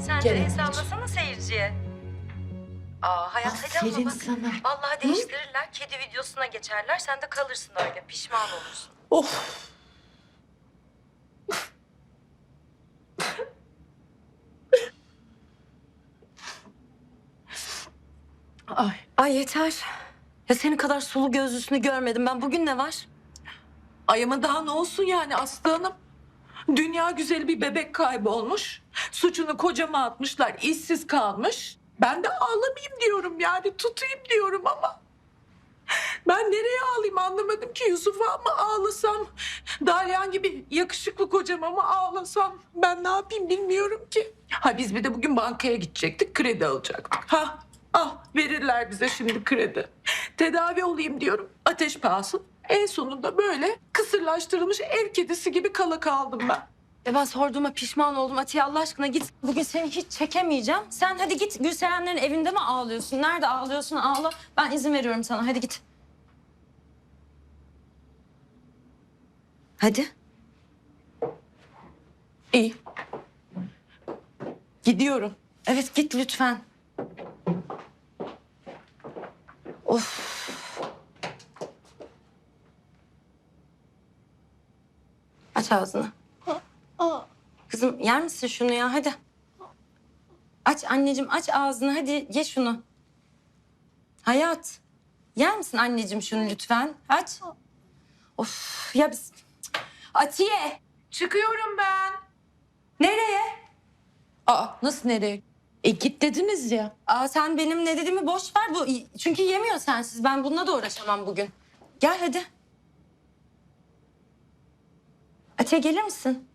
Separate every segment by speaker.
Speaker 1: Sen de el sallasana seyirciye. Hayat hadi ama
Speaker 2: Aferin
Speaker 1: bak.
Speaker 2: sana.
Speaker 1: Vallahi değiştirirler. Kedi videosuna geçerler. Sen de kalırsın öyle. Pişman olursun.
Speaker 2: Of. Ay.
Speaker 1: Ay yeter. Ya senin kadar sulu gözlüsünü görmedim ben. Bugün ne var?
Speaker 2: Ay ama daha ne olsun yani Aslı Hanım? Dünya güzeli bir bebek kaybolmuş. Suçunu kocama atmışlar, işsiz kalmış. Ben de ağlamayayım diyorum yani tutayım diyorum ama. Ben nereye ağlayayım anlamadım ki. Yusuf'a mı ağlasam? Dalyan gibi yakışıklı kocama mı ağlasam? Ben ne yapayım bilmiyorum ki. Ha biz bir de bugün bankaya gidecektik, kredi alacaktık. Verirler bize şimdi kredi. Tedavi olayım diyorum, ateş pahası. En sonunda böyle kısırlaştırılmış ev kedisi gibi kala kaldım ben.
Speaker 1: Ya ben sorduğuma pişman oldum. Atiye Allah aşkına git. Bugün seni hiç çekemeyeceğim. Sen hadi git. Gülserenlerin evinde mi ağlıyorsun? Nerede ağlıyorsun? Ağla. Ben izin veriyorum sana. Hadi git. Hadi.
Speaker 2: İyi. Gidiyorum.
Speaker 1: Evet git lütfen. Of. Aç ağzını. Kızım yer misin şunu ya? Hadi. Aç anneciğim aç ağzını. Hadi ye şunu. Hayat. Yer misin anneciğim şunu lütfen? Aç. Of ya biz... Atiye.
Speaker 2: Çıkıyorum ben.
Speaker 1: Nereye?
Speaker 2: Nasıl nereye? Git dediniz ya.
Speaker 1: Sen benim ne dediğimi boş ver. Çünkü yemiyor sensiz. Ben bununla da uğraşamam bugün. Gel hadi. Atiye gelir misin?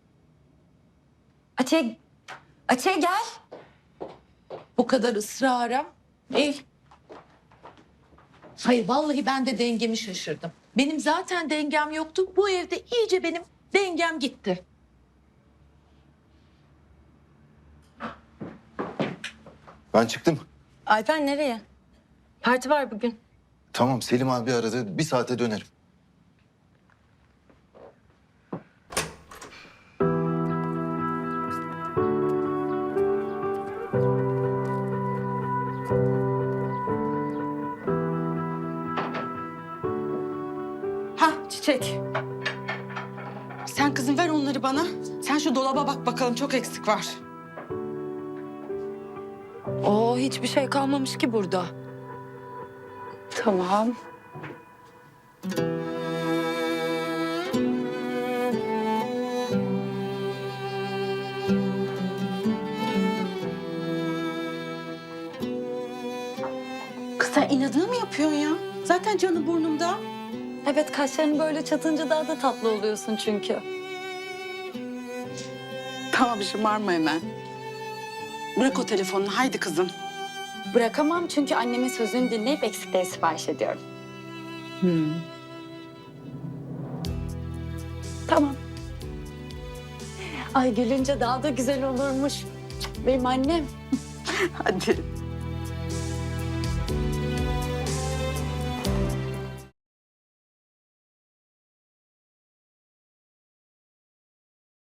Speaker 1: Atiye gel.
Speaker 2: Bu kadar ısrara. İyi. Hayır vallahi ben de dengemi şaşırdım. Benim zaten dengem yoktu. Bu evde iyice benim dengem gitti.
Speaker 3: Ben çıktım.
Speaker 1: Alper nereye? Parti var bugün.
Speaker 3: Tamam Selim abi aradı. Bir saate dönerim.
Speaker 4: Çiçek. Sen kızım ver onları bana. Sen şu dolaba bak bakalım çok eksik var.
Speaker 1: Hiçbir şey kalmamış ki burada.
Speaker 4: Tamam. Kız sen inadına mı yapıyorsun ya? Zaten canı burnumda.
Speaker 1: Evet kaşların böyle çatınca daha da tatlı oluyorsun çünkü.
Speaker 4: Tamam şımarma hemen. Bırak o telefonunu haydi kızım.
Speaker 5: Bırakamam çünkü annemin sözünü dinleyip eksikleri sipariş ediyorum. Tamam. Ay gülünce daha da güzel olurmuş. Benim annem.
Speaker 4: Hadi.